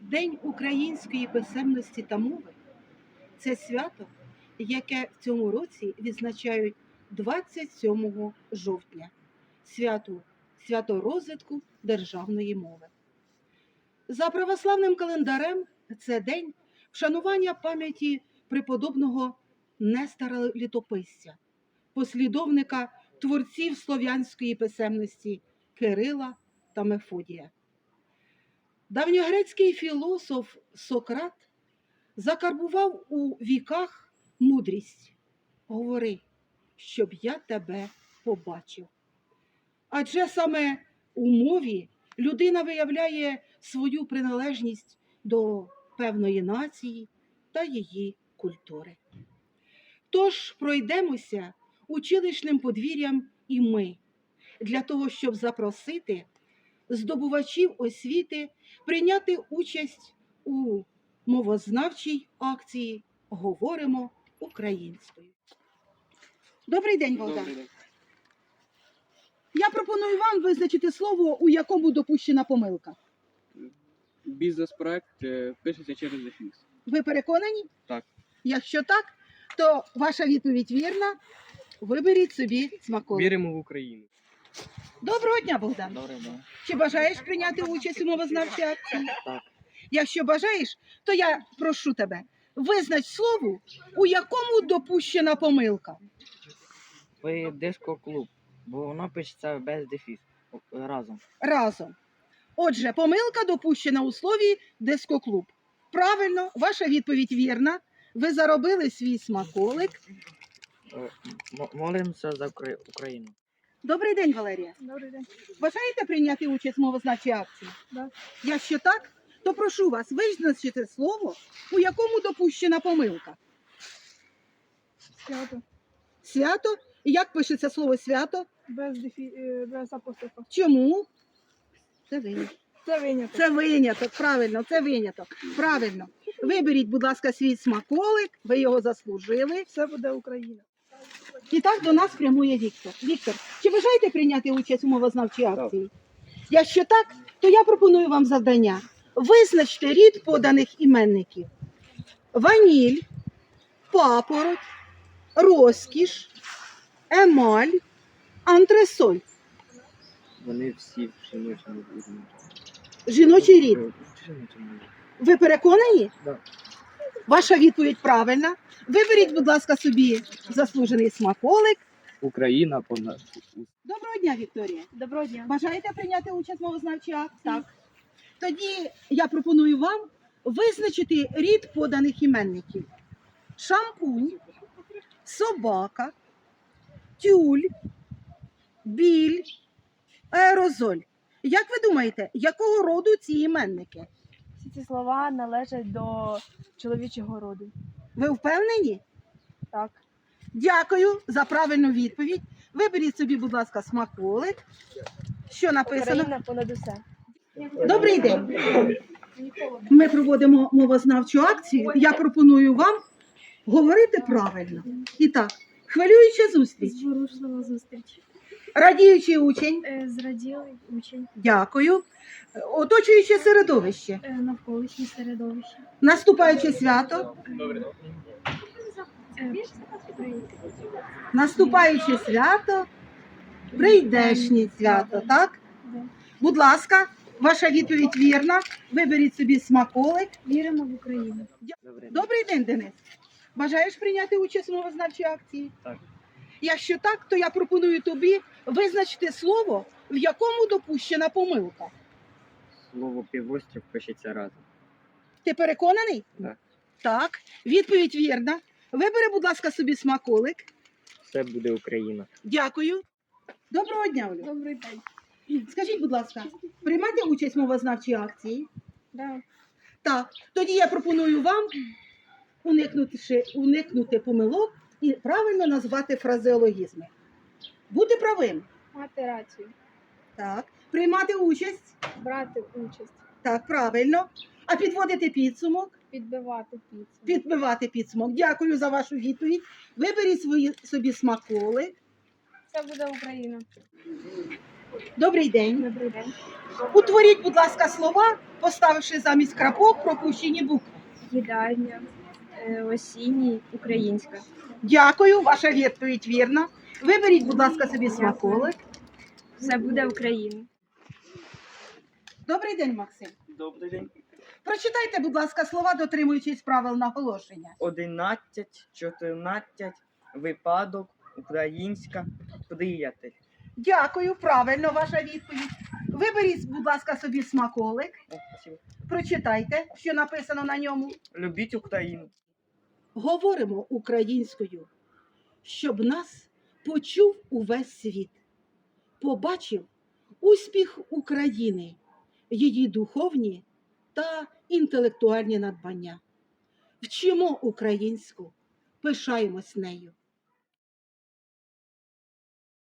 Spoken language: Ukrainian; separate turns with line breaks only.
День української писемності та мови – це свято, яке в цьому році відзначають 27 жовтня – свято розвитку державної мови. За православним календарем це день вшанування пам'яті преподобного Нестора Літописця, послідовника творців слов'янської писемності Кирила та Мефодія. Давньогрецький філософ Сократ закарбував у віках мудрість: «Говори, щоб я тебе побачив». Адже саме у мові людина виявляє свою приналежність до певної нації та її культури. Тож пройдемося училищним подвір'ям і ми, для того, щоб запросити здобувачів освіти прийняти участь у мовознавчій акції «Говоримо українською». Добрий день, Богдан.
Добрий день.
Я пропоную вам визначити слово, у якому допущена помилка.
Бізнес-проект пишеться через дефіс.
Ви переконані?
Так.
Якщо так, то ваша відповідь вірна. Виберіть собі смаколик.
Віримо в Україну.
Доброго дня, Богдан.
Добрий день.
Чи бажаєш прийняти участь у мовознавчій акції?
Так.
Якщо бажаєш, то я прошу тебе, визнач слово, у якому допущена помилка.
Ви диско-клуб, бо воно пишеться без дефіс, разом.
Разом. Отже, помилка допущена у слові дискоклуб. Правильно, ваша відповідь вірна. Ви заробили свій смаколик.
Молимося за Україну.
Добрий день, Валерія.
Добрий день.
Бажаєте прийняти участь в мовознавчій акції?
Да.
Якщо так, то прошу вас визначити слово, у якому допущена помилка.
Свято.
Свято? Як пишеться слово свято?
Без апострофа.
Чому? Це виняток.
Це виняток.
Це виняток, правильно, це виняток. Правильно. Виберіть, будь ласка, свій смаколик, ви його заслужили.
Все буде Україна.
І так до нас прямує Віктор. Віктор, чи бажаєте прийняти участь у мовознавчій акції? Якщо так, то я пропоную вам завдання. Визначте рід поданих іменників: ваніль, папороть, розкіш, емаль, антресоль.
Вони всі в жіночому рівні.
Жіночий рід.
Жіночому.
Ви переконані?
Так.
Ваша відповідь правильна. Виберіть, будь ласка, собі заслужений смаколик.
Україна понад.
Доброго дня, Вікторія.
Доброго дня.
Бажаєте прийняти участь в мовознавчій акції? Так. Тоді я пропоную вам визначити рід поданих іменників: шампунь, собака, тюль, біль, аерозоль. Як ви думаєте, якого роду ці іменники?
Всі ці слова належать до чоловічого роду.
Ви впевнені?
Так.
Дякую за правильну відповідь. Виберіть собі, будь ласка, смаколик. Що написано?
Україна понад усе.
Добрий день. Ми проводимо мовознавчу акцію. Я пропоную вам говорити правильно. І так, хвилююча зустріч.
Зворушлива зустріч.
Радіючий учень.
Зраділий учень.
Дякую. Оточуюче середовище.
Навколишнє середовище.
Наступаюче свято. Наступаюче свято. Прийдешнє свято, так?
Да.
Будь ласка, ваша відповідь вірна. Виберіть собі смаколик.
Віримо в Україну.
Добрий день, Денис. Бажаєш прийняти участь у мовознавчій акції?
Так.
Якщо так, то я пропоную тобі визначити слово, в якому допущена помилка.
Слово півострів пишеться разом.
Ти переконаний?
Так.
Так. Відповідь вірна. Вибери, будь ласка, собі смаколик.
Все буде Україна.
Дякую. Доброго дня, Олю.
Добрий день.
Скажіть, будь ласка, приймати участь в мовознавчій акції?
Да.
Так. Тоді я пропоную вам уникнути помилок і правильно назвати фразеологізми. Бути правим.
Мати рацію.
Так. Приймати участь.
Брати участь.
Так, правильно. А підводити підсумок.
Підбивати підсумок.
Підбивати підсумок. Дякую за вашу відповідь. Виберіть собі смаколи.
Це буде Україна.
Добрий день.
Добрий день.
Утворіть, будь ласка, слова, поставивши замість крапок пропущені букви.
Їдальня, осінній, українська.
Дякую, ваша відповідь вірна. Виберіть, будь ласка, собі смаколик.
Все буде Україна.
Добрий день, Максим.
Добрий день.
Прочитайте, будь ласка, слова, дотримуючись правил наголошення.
11, 14, випадок, українська, приятель.
Дякую, правильно ваша відповідь. Виберіть, будь ласка, собі смаколик.
О, спасибо.
Прочитайте, що написано на ньому.
Любіть Україну.
Говоримо українською, щоб нас почув увесь світ, побачив успіх України, її духовні та інтелектуальні надбання. Вчимо українську, пишаємось нею.